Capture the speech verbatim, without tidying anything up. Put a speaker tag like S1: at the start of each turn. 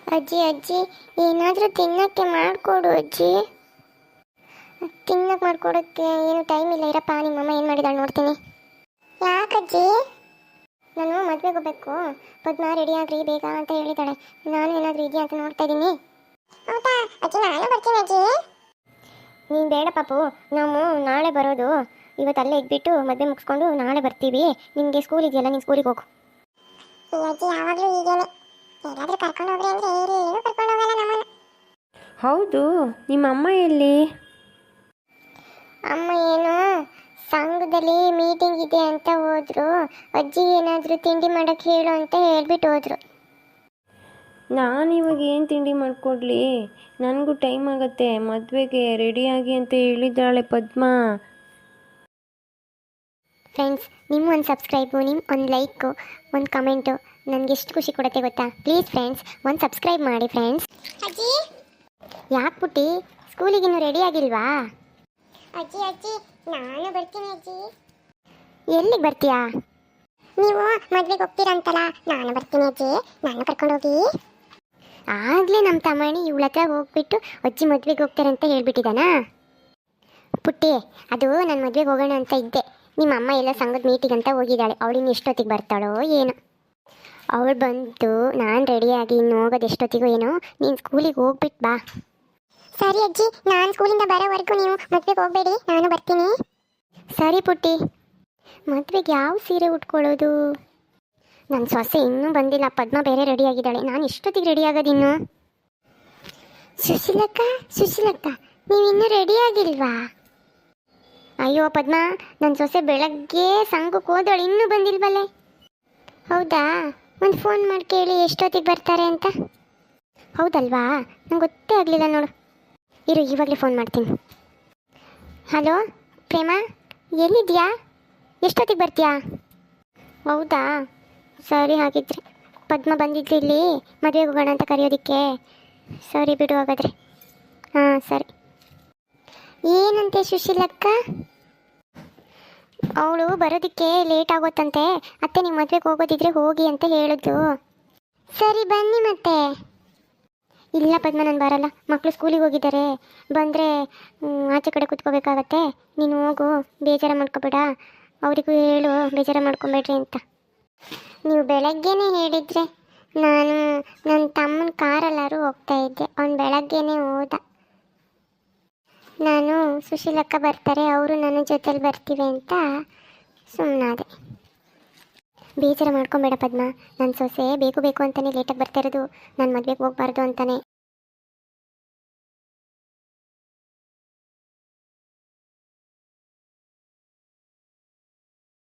S1: ಅಜ್ಜಿ ಅಜ್ಜಿ ಏನಾದರೂ ತಿನ್ನಕ್ಕೆ ಮಾಡಿಕೊಡು ಅಜ್ಜಿ. ತಿನ್ನಕ್ಕೆ ಮಾಡಿಕೊಡೋಕ್ಕೆ ಏನು ಟೈಮ್ ಇಲ್ಲ, ಇರಪ್ಪ. ನಿಮ್ಮಮ್ಮ ಏನು ಮಾಡಿದಾಳೆ ನೋಡ್ತೀನಿ. ಯಾಕಜ್ಜಿ? ನಾನು ಮದುವೆಗೆ ಹೋಗ್ಬೇಕು, ಪದ್ಮ ರೆಡಿ ಆಗ್ರಿ ಬೇಗ ಅಂತ ಹೇಳಿದಾಳೆ. ನಾನು ಏನಾದರೂ ಇದೆಯಾ ಅಂತ ನೋಡ್ತಾ ಇದ್ದೀನಿ. ಹೌದಾ ಅಜ್ಜಿ, ನಾನು ಬರ್ತೀನಿ ಅಜ್ಜಿ. ನೀನು ಬೇಡ ಪಾಪು, ನಾವು ನಾಳೆ ಬರೋದು. ಇವತ್ತು ಅಲ್ಲೇ ಇದ್ಬಿಟ್ಟು ಮದುವೆ ಮುಗಿಸ್ಕೊಂಡು ನಾಳೆ ಬರ್ತೀವಿ. ನಿನಗೆ ಸ್ಕೂಲ್ ಇದೆಯಲ್ಲ, ನೀನು ಸ್ಕೂಲಿಗೆ ಹೋಗು. ಅಜ್ಜಿ ಯಾವಾಗಲೂ ಹೀಗೇನೆ, ಎಲ್ಲಾದರೂ ಕರ್ಕೊಂಡು ಹೋಗ್ರಿ ಅಂದರೆ ಏನು ಕರ್ಕೊಂಡು ಹೋಗಲ್ಲ ನಮ್ಮನ್ನು.
S2: ಹೌದು, ನಿಮ್ಮ ಅಮ್ಮ ಎಲ್ಲಿ?
S1: ಅಮ್ಮ ಏನು ಸಂಘದಲ್ಲಿ ಮೀಟಿಂಗ್ ಇದೆ ಅಂತ ಹೋದ್ರು. ಅಜ್ಜಿ ಏನಾದರೂ ತಿಂಡಿ ಮಾಡೋಕ್ಕೆ ಹೇಳು ಅಂತ ಹೇಳ್ಬಿಟ್ಟು ಹೋದ್ರು.
S2: ನಾನು ಇವಾಗ ಏನು ತಿಂಡಿ ಮಾಡಿಕೊಡ್ಲಿ? ನನಗೂ ಟೈಮ್ ಆಗುತ್ತೆ ಮದುವೆಗೆ, ರೆಡಿಯಾಗಿ ಅಂತ ಹೇಳಿದ್ದಾಳೆ ಪದ್ಮ.
S1: ಫ್ರೆಂಡ್ಸ್, ನಿಮ್ಮ ಒಂದು ಸಬ್ಸ್ಕ್ರೈಬು, ನಿಮ್ಮ ಒಂದು ಲೈಕು, ಒಂದು ಕಮೆಂಟು ನನಗೆ ಎಷ್ಟು ಖುಷಿ ಕೊಡುತ್ತೆ ಗೊತ್ತಾ? ಪ್ಲೀಸ್ ಫ್ರೆಂಡ್ಸ್, ಒಂದು ಸಬ್ಸ್ಕ್ರೈಬ್ ಮಾಡಿ ಫ್ರೆಂಡ್ಸ್. ಅಜ್ಜಿ ಯಾಕೆ ಪುಟ್ಟಿ ಸ್ಕೂಲಿಗಿನ್ನೂ ರೆಡಿ ಆಗಿಲ್ವಾ? ಅಜ್ಜಿ ಅಜ್ಜಿ ನಾನು ಬರ್ತೀನಿ ಅಜ್ಜಿ. ಎಲ್ಲಿಗೆ ಬರ್ತೀಯಾ? ನೀವು ಮದುವೆಗೆ ಹೋಗ್ತೀರಂತಲ್ಲ, ನಾನು ಬರ್ತೀನಿ ಅಜ್ಜಿ, ನಾನು ಕರ್ಕೊಂಡೋಗಿ. ಆಗಲೇ ನಮ್ಮ ತಮ್ಮಣಿ ಇವಳ ಹತ್ರ ಹೋಗ್ಬಿಟ್ಟು ಅಜ್ಜಿ ಮದುವೆಗೆ ಹೋಗ್ತಾರೆ ಅಂತ ಹೇಳ್ಬಿಟ್ಟಿದ್ದಾನಾ? ಪುಟ್ಟಿ, ಅದು ನಾನು ಮದುವೆಗೆ ಹೋಗೋಣ ಅಂತ ಇದ್ದೆ. ನಿಮ್ಮ ಅಮ್ಮ ಎಲ್ಲ ಸಂಘದ ಮೀಟಿಂಗ್ ಅಂತ ಹೋಗಿದ್ದಾಳೆ. ಅವಳಿನ್ನು ಎಷ್ಟೊತ್ತಿಗೆ ಬರ್ತಾಳೋ ಏನೋ. ಅವಳು ಬಂತು, ನಾನು ರೆಡಿಯಾಗಿ ಇನ್ನು ಹೋಗೋದು ಎಷ್ಟೊತ್ತಿಗೂ ಏನೋ. ನೀನು ಸ್ಕೂಲಿಗೆ ಹೋಗ್ಬಿಟ್ಟು ಬಾ. ಸರಿ ಅಜ್ಜಿ, ನಾನು ಸ್ಕೂಲಿಂದ ಬರೋವರೆಗೂ ನೀವು ಮದುವೆಗೆ ಹೋಗಬೇಡಿ, ನಾನು ಬರ್ತೀನಿ. ಸರಿ ಪುಟ್ಟಿ. ಮದುವೆಗೆ ಯಾವ ಸೀರೆ ಉಟ್ಕೊಳ್ಳೋದು? ನನ್ನ ಸೊಸೆ ಇನ್ನೂ ಬಂದಿಲ್ಲ, ಪದ್ಮ ಬೇರೆ ರೆಡಿಯಾಗಿದ್ದಾಳೆ. ನಾನು ಎಷ್ಟೊತ್ತಿಗೆ ರೆಡಿ ಆಗೋದಿನ್ನು? ಸುಶೀಲಕ್ಕ ಸುಶೀಲಕ್ಕ ನೀವು ಇನ್ನೂ ರೆಡಿಯಾಗಿಲ್ವಾ? ಅಯ್ಯೋ ಪದ್ಮ, ನನ್ನ ಸೊಸೆ ಬೆಳಗ್ಗೆ ಸಂಘಕ್ಕೆ ಹೋದವಳು, ಇನ್ನೂ ಬಂದಿಲ್ವಲ್ಲೇ. ಹೌದಾ, ಒಂದು ಫೋನ್ ಮಾಡಿ ಕೇಳಿ ಎಷ್ಟೊತ್ತಿಗೆ ಬರ್ತಾರೆ ಅಂತ. ಹೌದಲ್ವಾ, ನಂಗೆ ಗೊತ್ತೇ ಆಗಲಿಲ್ಲ ನೋಡು. ಇರು, ಇವಾಗಲೇ ಫೋನ್ ಮಾಡ್ತೀನಿ. ಹಲೋ ಪ್ರೇಮ, ಎಲ್ಲಿದ್ಯಾ? ಎಷ್ಟೊತ್ತಿಗೆ ಬರ್ತೀಯಾ? ಹೌದಾ, ಸರಿ. ಹಾಗಿದ್ರೆ ಪದ್ಮ ಬಂದಿದ್ಲು ಇಲ್ಲಿ ಮದುವೆಗೆ ಹೋಗೋಣ ಅಂತ ಕರೆಯೋದಕ್ಕೆ. ಸರಿ ಬಿಡು ಹಾಗಾದರೆ. ಹಾಂ ಸರಿ. ಏನಂತೆ ಸುಶೀಲಕ್ಕ? ಅವಳು ಬರೋದಕ್ಕೆ ಲೇಟ್ ಆಗೋತ್ತಂತೆ. ಅತ್ತೆ ನೀವು ಮದುವೆಗೆ ಹೋಗೋದಿದ್ರೆ ಹೋಗಿ ಅಂತ ಹೇಳಿದ್ಲು. ಸರಿ ಬನ್ನಿ ಮತ್ತೆ. ಇಲ್ಲ ಪದ್ಮ, ನಾನು ಬರಲ್ಲ. ಮಕ್ಕಳು ಸ್ಕೂಲಿಗೆ ಹೋಗಿದ್ದಾರೆ, ಬಂದರೆ ಆಚೆ ಕಡೆ ಕೂತ್ಕೋಬೇಕಾಗತ್ತೆ. ನೀನು ಹೋಗು, ಬೇಜಾರು ಮಾಡ್ಕೋಬೇಡ. ಅವರಿಗೂ ಹೇಳು ಬೇಜಾರು ಮಾಡ್ಕೊಬೇಡ್ರಿ ಅಂತ. ನೀವು ಬೆಳಗ್ಗೆನೇ ಹೇಳಿದರೆ ನಾನು ನನ್ನ ತಮ್ಮನ ಕಾರಲ್ಲಾರು ಹೋಗ್ತಾ ಇದ್ದೆ. ಅವ್ನು ಬೆಳಗ್ಗೆನೇ ಹೋದ. ನಾನು ಸುಶೀಲಕ್ಕ ಬರ್ತಾರೆ, ಅವರು ನನ್ನ ಜೊತೆಲಿ ಬರ್ತೀವಿ ಅಂತ ಸುಮ್ಮನಾದೆ. ಬೇಜಾರು ಮಾಡ್ಕೊಬೇಡ ಪದ್ಮ, ನನ್ನ ಸೊಸೆ ಬೇಕು ಬೇಕು ಅಂತಲೇ ಲೇಟಾಗಿ ಬರ್ತಾ ಇರೋದು. ನಾನು ಮದುವೆಗೆ ಹೋಗ್ಬಾರ್ದು ಅಂತಾನೆ.